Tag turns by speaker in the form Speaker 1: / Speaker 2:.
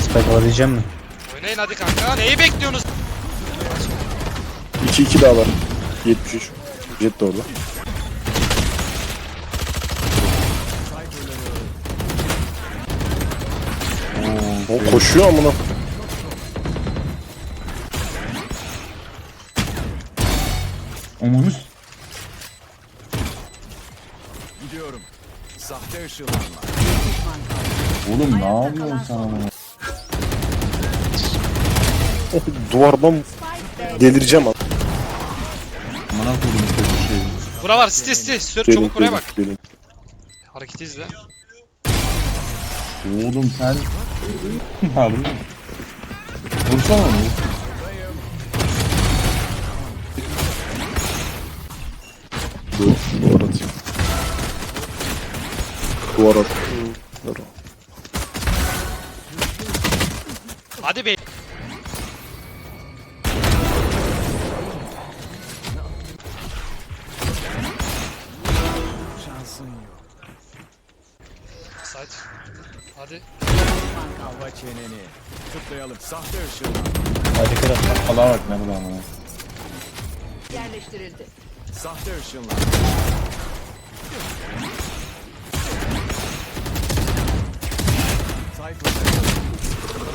Speaker 1: Spike alabileceğim mi?
Speaker 2: Oynayın hadi kanka. Neyi bekliyorsunuz?
Speaker 3: 2-2 daha var. 73. Jet de orada. O koşuyor amına.
Speaker 1: Omanus.
Speaker 4: Gidiyorum. Sahte ışınlanma.
Speaker 1: Oğlum ne yapıyorsun sen ama?
Speaker 3: Duvardan delireceğim abi.
Speaker 1: Bana koydum bu şeyi.
Speaker 2: Bura var. Site. Sür
Speaker 3: Gelin,
Speaker 2: çabuk buraya
Speaker 3: gelin,
Speaker 2: bak.
Speaker 3: gelin.
Speaker 2: Hareketi izle.
Speaker 1: Oğlum sen... Harbi mi? Vursana onu.
Speaker 3: Duvar atayım. Duvar at. Dur.
Speaker 2: Hadi be.
Speaker 4: Şansın yok.
Speaker 2: Sait. Hadi.
Speaker 4: Hava çeneni. Tıklayalım. Sahte ışınlanma.
Speaker 1: Hadi kral. Allah'a bak nerede ama.
Speaker 5: Yerleştirildi.
Speaker 4: Sahte ışınlanma. Tayfun.